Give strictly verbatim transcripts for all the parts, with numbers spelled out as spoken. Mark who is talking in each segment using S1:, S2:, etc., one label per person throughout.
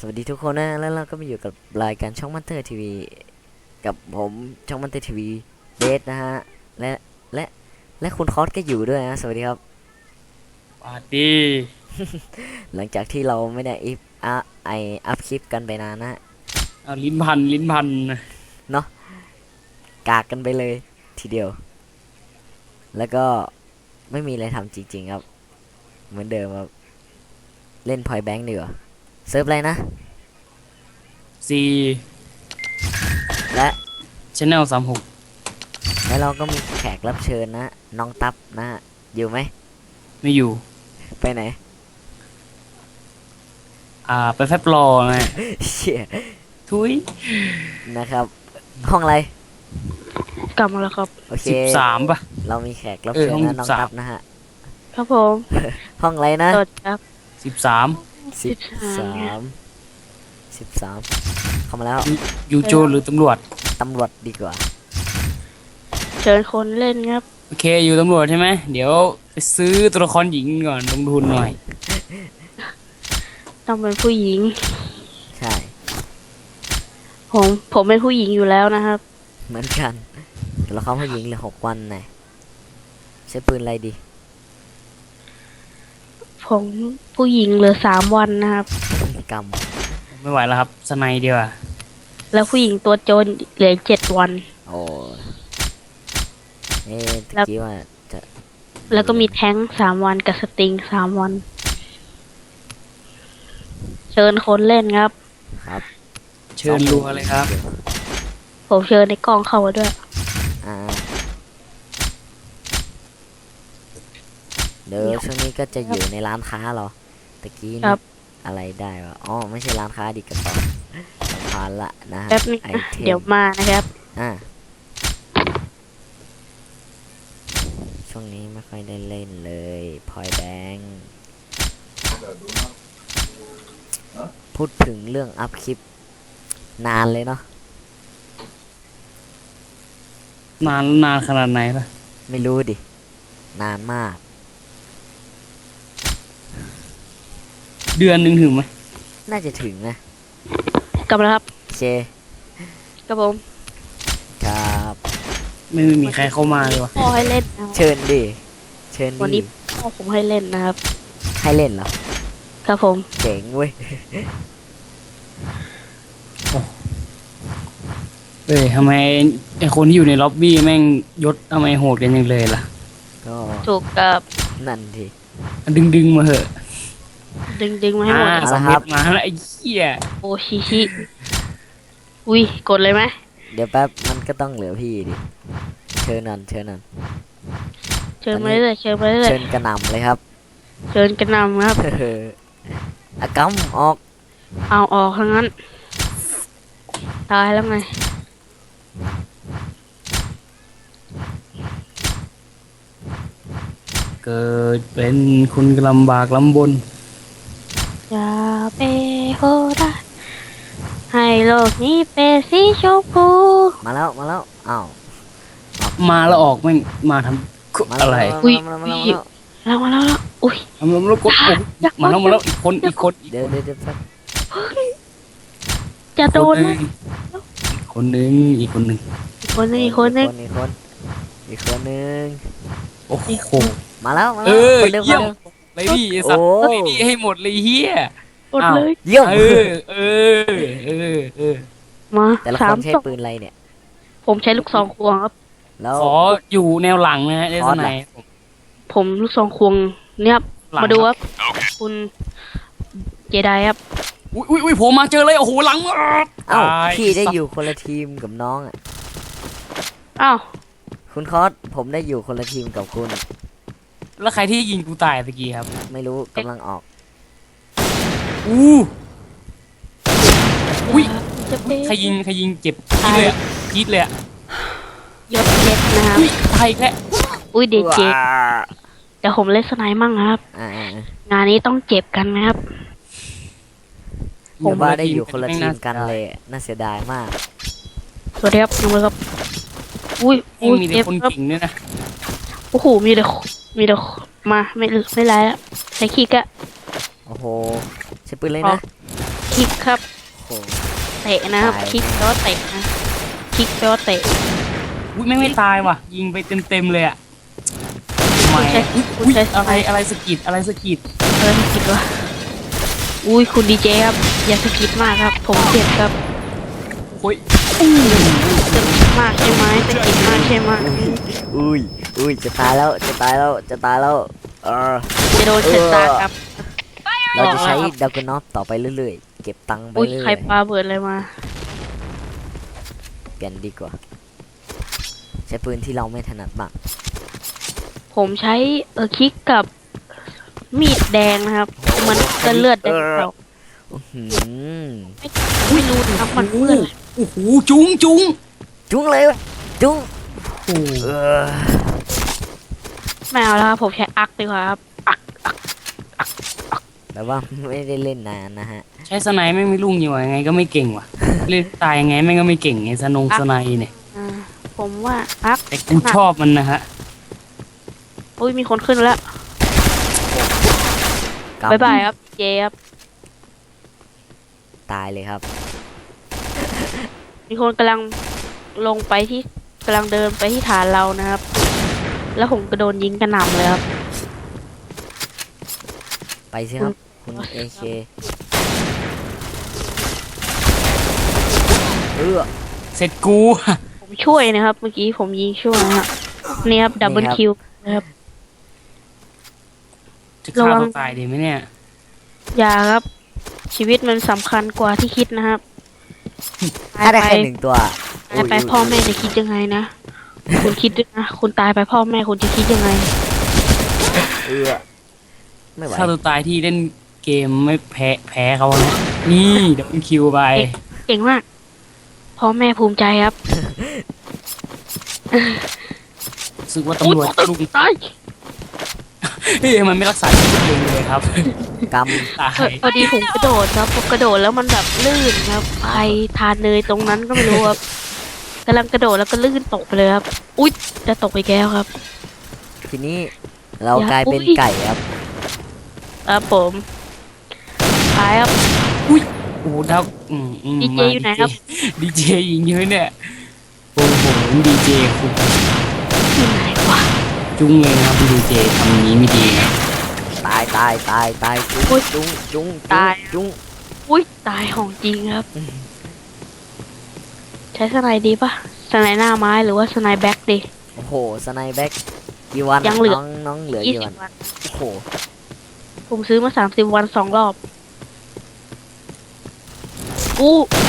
S1: สวัสดีทุกคนนะแล้วเราก็มาอยู่กับรายการช่องมันเตอร์ทีวีกับผมช่องมันเตอร์ทีวีเบสนะฮะและและและคุณคอสก็อยู่ด้วยนะสวัสดีครับ
S2: สวัสดี
S1: หลังจากที่เราไม่ได้อัพอะไออัพคลิปกันไปนานนะ
S2: เอาลิ้นพันลิ้นพัน
S1: เนาะกากกันไปเลยทีเดียวแล้วก็ไม่มีอะไรทำจริงๆครับเหมือนเดิมครับเล่นพอยแบงค์ดีกว่าเซิร์ฟอะไรนะ
S2: สี่
S1: และ
S2: Channel สามหก
S1: แล้วเราก็มีแขกรับเชิญนะน้องตับนะอยู่ไหม
S2: ไม่อยู่
S1: ไปไหน
S2: อ่าไปแฟบรอไง
S1: เชี่ย
S2: ทุย
S1: นะครับห้องอะไร
S3: กลับมาแล้วครับ
S1: โอเค
S2: สิบสามป่ะ
S1: เรามีแขกรับ
S2: เออ
S1: เชิญ
S2: ห้อง
S1: นะน้อง
S2: สิบสาม
S1: ตับนะฮะ
S3: ครับผม
S1: ห้องอะไรนะ
S3: สดครับ
S2: สิบสาม
S1: สิบสามสิบสามเข้ามาแล้ว
S2: อยู่โจรหรือตำรวจ
S1: ตำรวจดีกว่า
S3: เชิญคนเล่นครับ
S2: โอเคอยู่ตำรวจใช่ไหมเดี๋ยวไปซื้อตัวละครหญิงก่อนลงทุนหน่อย
S3: ต้องเป็นผู้หญิง
S1: ใช่
S3: ผมผมเป็นผู้หญิงอยู่แล้วนะครับ
S1: เหมือนกันแต่เราเข้าผู้หญิงเหลือหกวันไงใช้ปืนอะไรดี
S3: ผมผู้หญิงเหลือสามวันนะครับ
S1: กรรม
S2: ไม่ไหวแล้วครับสไนเดียวา
S3: แล้วผู้หญิงตัวโจรเหลือเจ็ดวัน
S1: โอ้เอ๊ะตะ
S3: แล้ว
S1: กี้ว่าจะ
S3: แล้วก็มีแท้งสามวันกับสติงสามวัน เชิญคนเล่นครับ
S1: ครับ
S2: เชิญรัวเลยครับ
S3: ผมเชิญในกล้องเข้ามาด้วย
S1: อ่าเดี๋ยวช่วงนี้ก็จะอยู่ในร้านค้าเหรอตะกี้
S3: ครั
S1: นี่
S3: บ
S1: อะไรได้วะอ๋อไม่ใช่ร้านค้าดิกระเป๋าสำคัญละนะฮะ
S3: แป๊บนึง
S1: ไอ
S3: นะ
S1: เทม
S3: เดี๋ยวมานะครับ
S1: อ่าช่วงนี้ไม่ค่อยได้เล่นเลยพอยแบงค์พูดถึงเรื่องอัพคลิปนานเลยเนาะ
S2: นานนานขนาดไหนล่ะ
S1: ไม่รู้ดิ นานมาก
S2: เดือนหนึ่งถึงไหม
S1: น่าจะถึงนะ
S3: กลับมาแล้วครับ
S1: โอเค
S3: ครับผม
S1: ครับ
S2: ไม่มีใครเข้ามาเลยวะ
S3: พ่อให้เล่นนะครับ
S1: เชิญดิ เชิญ
S3: วัน
S1: ดิ
S3: นี้พ่อผมให้เล่นนะครับ
S1: ให้เล่นเหรอ
S3: ครับผม
S1: เจ๋งเว้ย
S2: เอ้ยทำไมไอคนที่อยู่ในล็อบบี้แม่งยศทำไมโหดกันยังเลยล่ะ
S1: ก็
S3: ถูกกับ
S1: นั่นที
S2: ดึงดึงๆมาเหอะ
S3: ดึงดึงๆมาให้หมด
S2: อ่า
S3: ครับ
S2: สำเร็จมาแล้วไอ้เหี้ย
S3: โอชิชิอุ้ยกดเลยไหม
S1: เดี๋ยวแป๊บมันก็ต้องเหลือพี่ดิ เชิญนั่นเชิญนั่น
S3: เชิญมาเรื่อยๆเชิญมาเรื่อย
S1: เชิญกระหน่ำเลยครับ
S3: ๆเชิญกระหนำครับ
S1: เอออะกัมออก
S3: เอาออกทั้งนั้น ตายแล้วไง
S2: เกิดเป็นคนลำบากลำบน
S3: อย่าไปโหดร้ายให้โลกนี้เป็นสีชมพู
S1: มาแล้วมาแล้วอ้าว
S2: มาแล้วออกแม่งมาท
S1: มา
S2: ำ
S1: แล้ว
S2: อะไร
S1: มาแล้วมาแล้วมาแล้วมาแล้ว
S3: แล้วมาแล้วแล้วอุ้ย
S2: ทำแล้วกดอกมาแล้วมาแล้วอีกคนอีกคนอีก
S1: เดี๋ยวเดี๋ยวเดี๋ยวแป๊บ
S3: จะโด
S2: คน
S3: น
S2: หนึ่
S3: นะ
S2: งอีกคนหนึ่งอีกคนหนึ่ง
S3: อีกคนนึงอีกคนนึง
S1: อีกคนอีกคนนึง
S2: โอ้โห
S1: มาแล้วมา
S2: เอ
S1: แล้ว
S2: อ
S1: คนเดิม
S2: เยี่ยม
S1: คนเดิม
S2: เลยดิไอ้สัตว์
S1: โอ้
S2: เลยดิให้หมดเลยเฮีย
S3: กดเลย
S1: เยี่ยม
S2: เออเออเออเออ
S3: มา
S1: แต่ละ
S3: สา
S1: ค
S3: ม
S1: นใช้
S3: ศพ
S1: ปืนอะไรเนี่ย
S3: ผมใช้ลูกซองควงครับ
S1: แล้ว
S2: ขออยู่แนวหลังนะฮะได้
S1: คอ
S2: ส
S1: ร์ส
S2: ไหน
S1: ล่ะ
S2: ผม
S3: ผมลูกซองควงเนี่ยครับ
S2: หลัง
S3: มาดูครับคุณเจไดครับ
S2: อุ้ยอุ้ยอุ้ยผมมาเจอเลยโอ้โหหลัง
S1: อ้าว
S2: ตาย
S1: พี่ได้อยู่คนละทีมกับน้องอ่ะ
S3: อ้าว
S1: คุณคอสผมได้อยู่คนละทีมกับคุณ
S2: แล้วใครที่ยิงกูตายตะกี้ครับ
S1: ไม่รู้กำลังออก
S2: อู้อุ้ย
S3: จะเป็น
S2: ใครยิงใครยิงเจ็บพีดเลยอะพีดเลยอะ
S3: ยศเพชรนะครับ
S2: อุ้ยตายอีกแล้ว
S3: อุ้ยเดเจเดี๋ยวผมเล่นสไนด์มั่งนะครับ
S1: อ่าอ่าอ่าง
S3: านนี้ต้องเจ็บกันนะครับ
S1: ผมว่าได้อยู่คนละทีมกันเลยอะน่าเสียดายมาก
S3: สวัสดีครับน้องเบิร์ดครับ อุ้ย
S2: ยัง
S3: อุ้ย
S2: มีแต่
S3: เจ็บ
S2: คน
S3: ครับ
S2: เก่งด้วยนะ
S3: โอ้โห มีแต่มีแต่มา ไม่ไม่ไรแล้วใช้ขี้กะ
S1: โอ้โหใช้ปืนเลย
S3: ออ
S1: นะ
S3: กคิกครับ
S1: โอ้โห
S3: เตะนะครับ
S1: ตาย
S3: คิกแปลว่าเตะนะคิกแปลว่าเตะ
S2: อุ้ยแม่งไม่ตายว่ะ ยิงไปเต็มๆเลยอะทำไม
S3: คุณใช้
S2: อุ๊ยอะไรอะไรสะกิดอะไรสะกิด
S3: อะไรสกิดวะอุ้ยคุณดีเจครับอย่าสกิดมากครับ ผมเจ็บครับ
S2: โอ้ย
S3: สกิดมากใช่ไหมสกิดมากใช่ไหม
S1: อุ้ยอุ้ยจะตายแล้วจะตายแล้วจะตายแล้วเออ
S3: จะโดนเสร็จตาครับ
S1: เราจะใช้ดักกนอฟต่อไปเรื่อยๆเก็บตังค์ไป
S3: อุ้ย
S1: เรื่
S3: ใคร
S1: อย
S3: ปาเบิดอะไรมา
S1: ๆเปลี่ยนดีกว่าใช้ปืนที่เราไม่ถนัดบ้าง
S3: ผมใช้เออคิกกับมีดแดงนะครับ มันก็เลือดแดงเรา
S1: อื้อหือ
S3: ไม่รู้นะครับมันเลือด
S2: โอ้โหจุ้งจุ้ง
S1: จุ้งเลยวะจุ้ง
S2: โอ้โห
S1: เออ
S3: ไม่เอาแล้วครับผมใช้อักดีกว่าครับอัก
S1: แต่ว่าไม่ได้เล่นนานนะฮะ
S2: ใช้สไนด์ไม่งไม่รุ่งอยู่ยังไงก็ไม่เก่งว่ะ เล่นตายยังไงแม่งก็ไม่เก่งไงสนงสไนด์เนี่ย
S3: อ่าผมว่าอัก
S2: แต่กูชอบมันนะฮะ
S3: อุ้ยมีคนขึ้นแล้ว
S1: กำ
S3: บายบายครับเจครับ
S1: ตายเลยครับ
S3: มีคนกำลังลงไปที่กำลังเดินไปที่ฐานเรานะครับ แล้วผมก็โดนยิงกระหน่ำเลยครับ
S1: ไปสิครับคุณเอเคเออ
S2: เสร็จกู
S3: ผมช่วยนะครับ เมื่อกี้ผมยิงช่วยนะครับนี่ครับดับเบิลคิวนะครับ
S2: จะ
S3: ระ
S2: ฆ่า
S3: วัง
S2: ตัวตายดีไหมเนี่ย
S3: อย่าครับ ชีวิตมันสำคัญกว่าที่คิดนะครับ
S1: ถ้าได้
S3: ตาย
S1: แค่
S3: ไป
S1: หนึ่งตัว
S3: ตายไปพ่อแม่จะคิดยังไงนะ คุณคิดด้วยนะ คุณตายไปพ่อแม่คุณจะคิดยังไง
S1: เออไม่ไหว
S2: ฆ่าตัวตายที่เล่นเกมไม่แพ้แพ้เขานะนี่เดี๋ยวคิวไป
S3: เก่งมาก พ่อแม่ภูมิใจครับ
S2: รู้สึกว่าตำรวจ
S3: อุ๊ย
S2: ลุง
S3: ตาย
S2: เฮ้ยมันไม่รักษาชีวิตตัวเองเลยครับ
S1: ก
S2: ตา
S3: เออย พอดีผมกระโดดครับผมกระโดดแล้วมันแบบลื่นครับใครทานเนยตรงนั้นก็ไม่รู้ครับกำลังกระโดดแล้วก็ลื่นตกไปเลยครับ อุ๊ยจะตกไปแก้วครับ
S1: ำทีนี้เรา
S3: อย่าก
S1: ลายเป็น
S3: อุ๊ย
S1: ไก่ครับ
S3: ครับผมตายครับ
S2: โอ้โหดาวอืมอืม
S3: ดีเจ
S2: มา
S3: อยู่ไหนครับ
S2: ดีเจยิงเยอะเนี่ยโอ้โหดีเจคุณ
S3: อยู่ไหนวะ
S2: จุ้งเลยนะครับดีเจทำอย่างนี้ไม่ดีนะ
S1: ตายตายตายตายจุ้ง
S3: อุ๊ย
S1: จุ้งจุ้ง
S3: ตาย
S1: จุ้ง
S3: อุ๊ยตายของจริงครับ ใช้สไนด์ดีปะสไนด์หน้าไม้หรือว่าสไนด์แบ็กดี
S1: โอ้โหสไนแบ็กกี่วัน
S3: ยังเหลือ
S1: น้องน้องเหลือ
S3: ยี่
S1: กี่
S3: สิ
S1: วั
S3: บ
S1: น
S3: วัน
S1: โอ้โห
S3: ผมซื้อมาสามสิบวันสองรอบอู้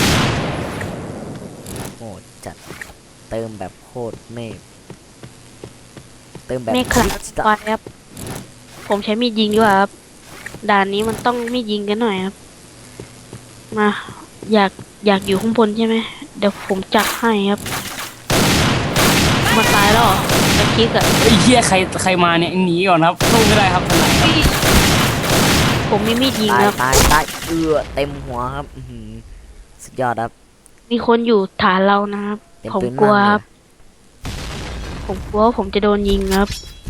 S1: โหดจัดเติมแบบโคตรเมฆเติมแบบ
S3: เมฆขลังไฟครับ ผมใช้มีดยิงดีกว่าครับ ด่านนี้มันต้องมีดยิงกันหน่อยครับ มา อยากอยากอยู่ข้างบนใช่ไหม เดี๋ยวผมจัดให้ครับ มาตายแล้วเหรอตะคิกอะ
S2: ไอ้ยเหี้ยใครใครมาเนี่ยหนีก่อนครับสู้ไม่ได้ครับทนายครับ
S3: ผมมีมีดยิง
S1: ตาย
S3: ครับ
S1: ตายตายเอือเต็มหัวครับอื้อหือสุดยอดครับ
S3: มีคนอยู่ฐานเรานะครับ
S1: เป็น
S3: ผม
S1: ปืน
S3: กลัว
S1: มั่น
S3: ค
S1: เล
S3: รั
S1: ย
S3: บ ผมกลัวว่าผมจะโดนยิงครับ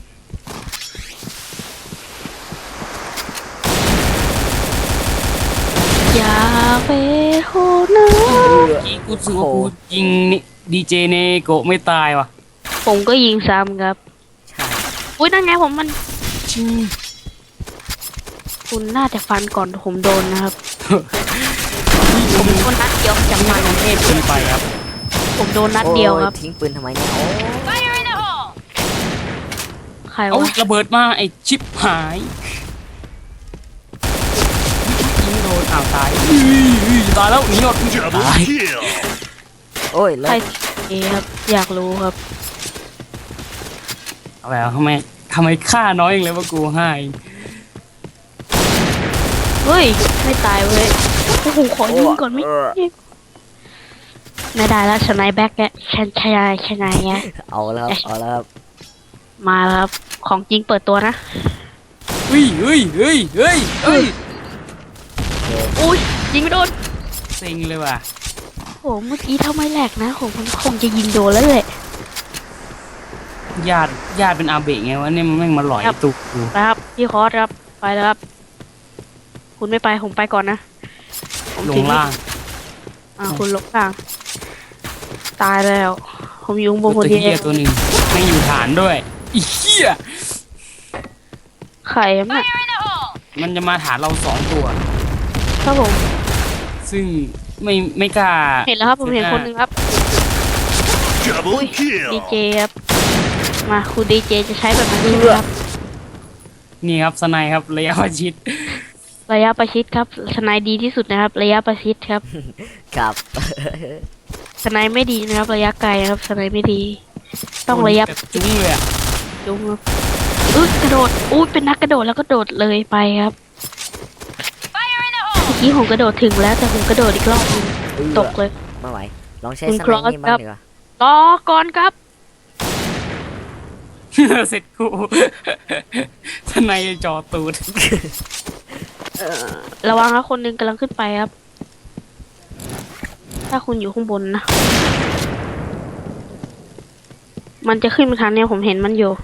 S3: อย่าไปโหดนะ
S1: เอือ
S2: กี้กูรู้สึกว่ากูยิงนี่ดีเจเนโกะไม่ตายว่ะ
S3: ผมก็ยิงซ้ำครับ
S1: ใช่
S3: อุ้ยนั่นไงผมมัน
S2: ชิง
S3: คุณน่าจะฟันก่อนผมโดนนะครับ ผมโดนนัดเดียวจากมัน
S2: เทพเกินไปครับ
S3: ผมโดนนัดเดียวครับ
S1: โอ้ทิ้งปืนทำไมเนี่ยโอ้
S3: ใคร
S2: เอา
S3: วะ
S2: ระเบิดมาไอ้ชิปหายยิงโดนอ้าวตายอื้อตายแล้วหนีหมดตาย
S1: โอ้ยแล้
S3: ใคร
S1: ว
S3: เอครับ อยากรู้ครับ
S2: เอาแล้วทำไมทำไมฆ่าน้อยอย่างเลยว่ากูให้
S3: เฮ้ย ไม่ตายเว้ยโอ้โหขอยิงก่อนไม่
S1: เออ
S3: ไม่ได้แล้วชนายแบ็กแกชันชนายชนายไง
S1: เอาแล้วครับเอาแล้วครับ
S3: มาแล้วครับ ของจริงเปิดตัวนะ
S2: เฮ้ยเฮ้ยเฮ้ยเฮ้ยเฮ้ย
S3: อุ้ยยิงไม่โดน
S2: เซ็งเลยว่ะ
S3: โอ้เมื่อกี้ถ้าไม่แหลกนะผมมันคงจะยิงโดนแล้วแหละ
S2: ญาติญาติเป็นอาเบะไงวะเนี่ยมันแม่งมาหลอย
S3: ครับ
S2: ตุกกู
S3: นะครับพี่คอสครับ ไปแล้วครับ คุณไม่ไปผมไปก่อนนะ ผม
S2: ล
S3: ทิ้
S2: ง
S3: ง
S2: ล่าง
S3: อ่าคุณลงล่าง ตายแล้ว ผมอยุงบน
S2: ตั
S3: ค
S2: วน
S3: เดี
S2: เฮี
S3: ย
S2: ยว ตัวหนึ่งไม่งอยู่ฐานด้วยอีเหี้ย
S3: ไข่อะน่ะ
S2: มันจะมาฐานเราสองตัว
S3: ครับผม
S2: ซึ่งไม่ไม่กล้า
S3: เห็นแล้วครับผมเห็นคนหนึ่งครับ
S4: Double
S3: ดี
S4: kill.
S3: เจครับ มาคุณดีเจจะใช้แบบนั้นใช่ไหมครับ
S2: นี่ครับสไนด์ครับระยะประชิด
S3: ระยะประชิดครับสไนด์ดีที่สุดนะครับ ระยะประชิดครับ
S1: ครับ
S3: สไนด์ไม่ดีนะครับ ระยะไกลครับสไนด์ไม่ดี ต้องระยะ
S2: แบบจุ้งเลยอะ
S3: จุงครับอุ๊ยกระโดดอุ๊ยเป็นนักกระโดดแล้วก็โดดเลยไปครับเมื่อกี้ผมกระโดดถึงแล้วแต่ผมกระโดดอีกรอบหนึง
S1: เอื้อ
S3: ตกเลย
S1: ไม่ไหว ลองใช้
S3: คุณ
S1: ส
S3: คร
S1: ไน
S3: อส
S1: นี่บ้างดีกว่า
S3: รอก่อนครับ
S2: เสร็จกู สไนด์จอตูด
S3: ระวังนะคนหนึงกำลังขึ้นไปครับ ถ้าคุณอยู่ข้างบนนะ มันจะขึ้นมาทางเนี้ยผมเห็นมันอยู่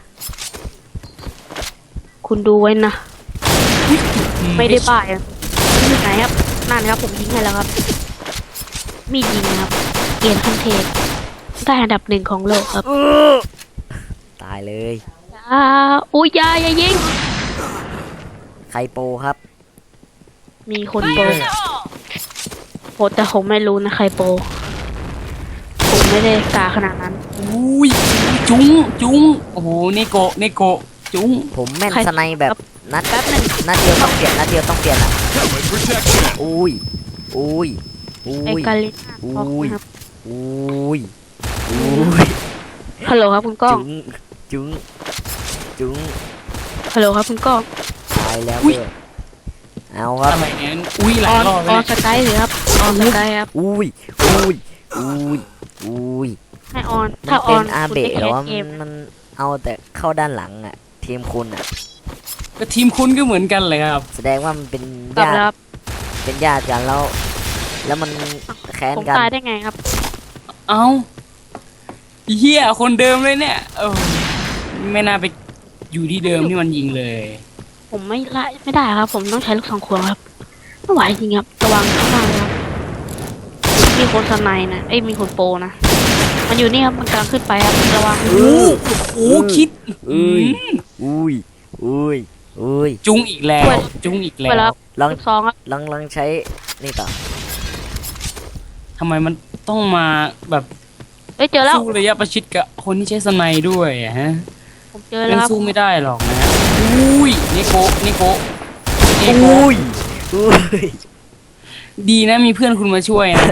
S3: คุณดูไว้นะ ไม่ได้ป่ายอะอยู่ไหนครับ นั่นครับ ผมยิงให้แล้วครับ มีดยิงนะครับ เกียรติขั้นเทพได้อันดับหนึ่งของโลกครับ
S1: ตายเลย
S3: อ่าอุ้ยอยาอย่ายิง
S1: ใครโปรครับ
S3: มีคนโปรโปรแต่ผมไม่รู้นะใครโปรผมไม่ได้กาขนาดนั้น
S2: อุ้ยจุ้งจุ้งโอ้โหเนโกะเนโกะจุ้ง
S1: ผมแม่น
S3: ใคร
S1: สไนแบบนัด
S3: แป๊บหนึ่ง
S1: นัดเดียวต้องเปลี่ยนนัดเดียวต้องเปลี่ยนอ่ะ
S4: Helmet protection.
S1: อุ้ย อุ้ย อุ้
S3: ไอย กาลิน่า
S1: อุ้
S3: ท็อก
S1: ย
S3: นะครับ
S1: อุ้ย อุ้ย
S3: ฮัลโหลครับคุณก้อง
S1: จุ้ง จุ้ง จุ้ง
S3: ฮัลโหลครับคุณก้อง
S1: ตายแล้วด้วยเอาครับ
S2: อะไรเนี่ยอุ้ยห
S3: อ
S2: ลา
S3: อย น
S2: รอบ
S3: อ
S2: เล
S3: อน
S2: ย
S3: สกายหรือครับออนสกายครับ
S1: อุ้ย อุ้ย อุ้ย อุ้ย
S3: ให้ออน
S1: มั
S3: ถ้าน อ
S1: เป็
S3: อน น
S1: อา
S3: คุณ
S1: เบะ
S3: จะ
S1: หร
S3: แค
S1: อ
S3: ส
S1: ว่า
S3: เกม
S1: มันเอาแต่เข้าด้านหลังอ่ะ ทีมคุณอ่ะ
S2: ก็ทีมคุณก็เหมือนกันเลยครับ
S1: แสดงว่ามันเป็น
S3: กลับ
S1: ญา
S3: แล้วค
S1: ติ
S3: รับ
S1: เป็นญาติกันแล้ว แล้วมันแค้น
S3: ผม
S1: กัน
S3: ตายได้ไงครับ
S2: เอ้าเฮียคนเดิมเลยเนี่ยเออไม่น่าไปอยู่ที่เดิมที่มันยิงเลย
S3: ผมไม่ไล่ไม่ได้ครับ ผมต้องใช้ลูกสองควงครับไม่ไหวจริงครับระวังข้างล่างนะครับมีคนสไนนะเอ้ยมีคนโปรนะมันอยู่นี่ครับมันกำลังขึ้นไปครับระวัง
S1: เออ
S2: โอ้คิด
S1: เอ้ย อุ้ย อุ้ย อุ้ย
S2: จุ้งอีกแล้ว จุ้งอีกแล้
S3: ไปแล้ว
S2: ว
S1: ลอง
S3: ลูกซองครับ
S1: ลองลองใช้นี่ต่อ
S2: ทำไมมันต้องมาแบบ
S3: เอ้ยเจอแล้ว
S2: สู้ระยะประชิดกับคนที่ใช้สไนด์ด้วยอะฮะ
S3: ผมเจอ
S2: เล่
S3: แล้ว
S2: น
S3: ครับ
S2: สู้ไม่ได้หรอกนะอุ้ยเนโกะเนโกะเนโกะ
S1: อุ้ย อุ้ย
S2: ดีนะมีเพื่อนคุณมาช่วยนะ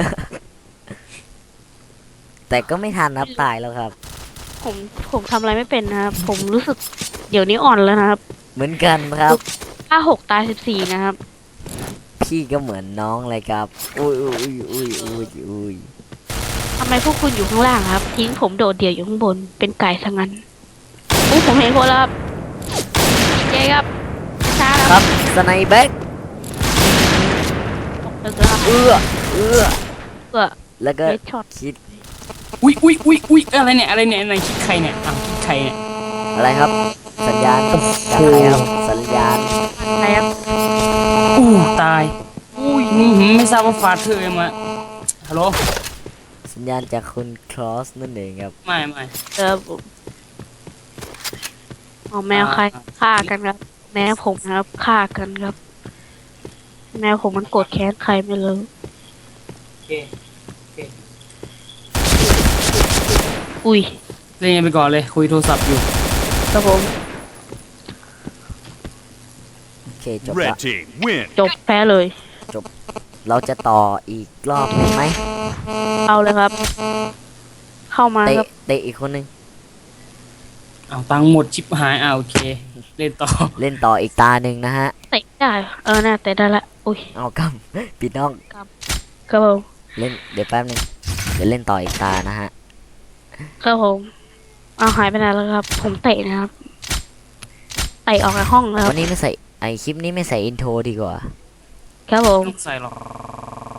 S1: แต่ก็ไม่ทันนับตายแล้วครับ
S3: ผมผมทำอะไรไม่เป็นนะครับ ผมรู้สึกเดี๋ยวนี้อ่อนแล้วนะครับ
S1: เหมือนกันครับ
S3: ถ้าหกตายสิบสี่นะครับ
S1: พี่ก็เหมือนน้องเลยครับ อุ้ยอุ้ยอุ้ยอุ้ยอุ้ย
S3: ทำไมพวกคุณอยู่ข้างล่างครับ ทิ้งผมโดดเดี่ยวอยู่ข้างบนเป็นไก่ซะงั้นอู้ผมเห็นคนแล้วครับเจ๊ครับช้าแล้ว
S1: ครับสไนแบ็ก
S3: ผมตึกแล้วครับ
S1: เอื้อ เอื้อ
S3: เพื่อ
S1: แล้วก็
S3: เฮดช็อต
S1: คิด
S2: อุ้ยอุ้ยอุ้ยอุ้ยอะไรเนี่ยอะไรเนี่ยอะไรคิดใครเนี่ยอ้าวคิดใครเนี่ย
S1: อะไรครับ สัญญาณจากใครครับ สัญญาณ
S3: อะไรครับ
S2: อู้ตายอุ้ยอื้อหือไม่ทราบว่าฟาเธอร์มาฮัลโหล
S1: สัญญาณจากคุณคลอสนั่นเองครับ
S2: ไม่ไม่
S3: เออผมเอาแมวใครฆ่ากันครับ แมวผมนะครับฆ่ากันครับ แมวผมมันโกรธแค้นใครไม่รู้
S2: โอเค
S3: อุ้ย
S2: เล่นกันไปก่อนเลยคุยโทรศัพท์อยู่
S3: ครับผม
S1: โอเคจบละ
S4: Red team win.
S3: จบแพ้เลย
S1: เราจะต่ออีกรอบหนึ่งไหม
S3: เอาเลยครับ เข้ามา
S1: เตะ
S3: ครับ
S1: เตะอีกคนนึง
S2: เอาตังค์หมดชิปหายอ่าโอเค เล่นต่อ
S1: เล่นต่ออีกตาหนึ่งนะฮะ
S3: เตะได้เออน่าเตะได้ละอุ้ย
S1: เอากำ ปิดน้อง
S3: ครับผม
S1: เล่น เดี๋ยวแป๊บนึง เดี๋ยวเล่นต่ออีกตานะฮะ
S3: ครับผมเอาหายไปไหนแล้วครับ ผมเตะนะครับเตะออกจากห้องแล้วค
S1: วั
S3: รับ
S1: นนี้ไม่ใส่ ไอคลิปนี้ไม่ใส่อินโทรดีกว่า
S3: ครับผม
S2: ต้องใส่หรอก